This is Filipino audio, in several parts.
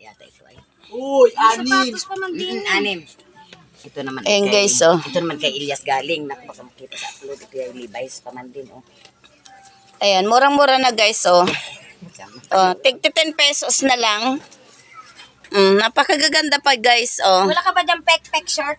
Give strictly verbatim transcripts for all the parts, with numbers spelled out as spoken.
yata ito ay. Uy, anim. Sapatos pa man din. Mm, anim. Ito naman. Ayan, kay, guys, oh. Ito naman kay Ilyas galing. Naku, baka makita sa upload. Ito yung Levi's pa man din, oh. Ayan, murang-mura na guys, oh. Oh, tig ten pesos na lang. Mm, napakagaganda pa guys, oh. Wala ka ba dyan pek-pek shirt?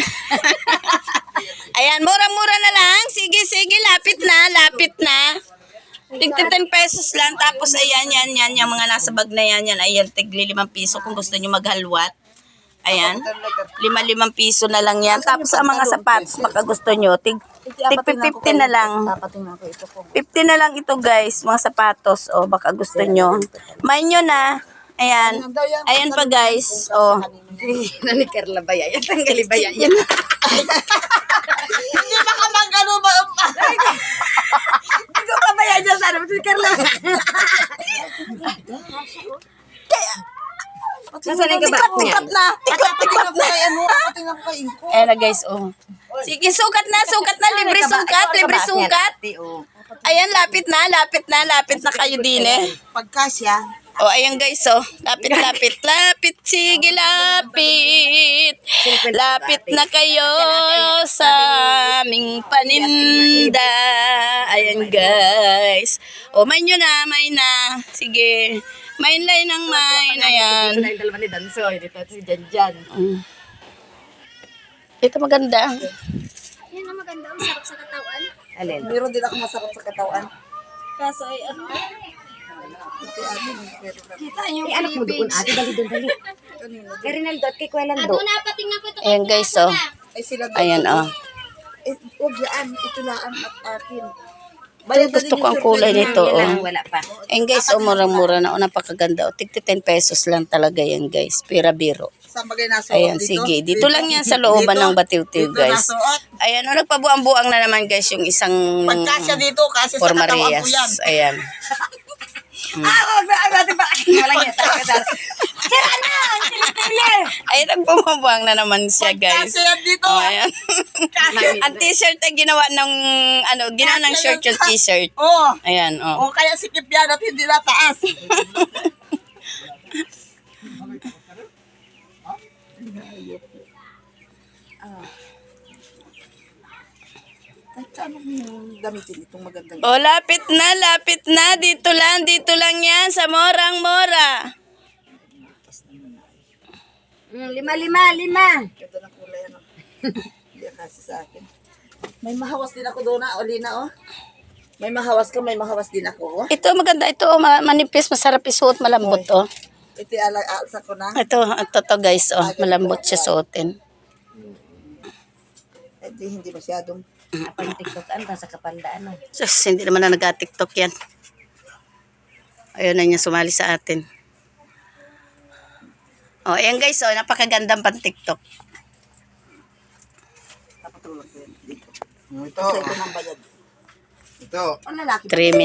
Ayan, murang-mura na lang. Sige, sige, lapit na, lapit na. Tig ten pesos lang. Tapos ayan, yan, yan, yung mga nasa bag na yan, yan. Ayan, tigli limang piso kung gusto nyo maghalwat. Ayan, lima-limang piso na lang yan. Tapos ang mga sapatos, baka gusto nyo, tig, tig fifty na lang. fifty na lang ito guys, mga sapatos. O, baka gusto nyo. May nyo na. Ayan. Ayan pa guys. O. Nani Carla ba yan? Tanggali ba yan? Hindi ba ka mang gano'n ba? Hindi ko pa ba yan dyan? Sana mo si Carla. Nasaan yung kabat niya? Tikot na. Tikot, tikot na. Patingnan ko kay Inko. Ayan na guys, oh. Sige, sukat na, sukat na. Libre sukat, libre sukat. Ayan, lapit na, lapit na, lapit na kayo din eh. Pagkasya. Oh, ayan guys, oh. Lapit, lapit, lapit. Sige, lapit. Lapit na kayo sa aming paninda. Ayan guys. Oh, may nyo na, may na. Sige. Main line ng main. Ayan. Ito na yung dalawa ni Dansoy. Dito si Janjan. Mm. Ito maganda. Yan ang maganda. Ang sarap sa katawan. Alin? Meron din ako masarap sa katawan. Kaso ay ano. Ito anim. Kita yung Eh, anak mo doon, ate. Dali doon, dali. Kay Rinaldo at kay Kuelando. Ado na, patingnan ko ito. Ayan guys, oh. Ay sila doon. Ayan, oh. Eh, huwag yan. Ito laan at akin. Ito, gusto ko ang kulay nito, oh. Wala pa. Ayan guys, oh, murang-mura na. Oh, napakaganda. Oh, tigti ten pesos lang talaga yan guys. Pira-biro. Saan bagay nasuot Ayan, dito? sige. Dito lang yan sa looban ng Batiw-Tiw, Dito guys. nasuot. Ayan, oh, nagpabuang-buang na naman guys yung isang Pagkasya dito kasi sa Por katawan Marias. ko yan. Ayan. Ah, wag na, wag na. Walang yan. Sira na! Ayan, nagpabuang na naman siya guys. Pagkasya yan dito. Oh, ayan. Ang t-shirt ay ginawa ng, ano, ginawa ng shirt yung t-shirt. Oo. Ayan, oh. O kaya sikip yan at hindi na taas. Kahit saan mo gamitin itong magandang Oh, lapit na, lapit na. Dito lang, dito lang yan sa morang-mora. Mm, lima, lima, lima. ganda ng kulay. Ano? Hindi kasi sa akin. May mahawas din ako doon na, Olina, oh. May mahawas ka, may mahawas din ako, oh. Ito maganda, ito oh, ma- manipis, masarap isuot, malambot oh. Ito alasa ko na. Ito, ito to guys, oh, malambot siya suotin. Ito hindi masyadong. Apang tiktokan pa sa kapandaan. Oh. Sus, hindi naman na nag-tiktok yan. Ayun na niya sumali sa atin. Oh, ayan guys, oh, napakagandang pan-tiktok. Papatulog ko yan dito. Ito. Kasi ito ng bayad. Ito. Ang lalaki. three minutes.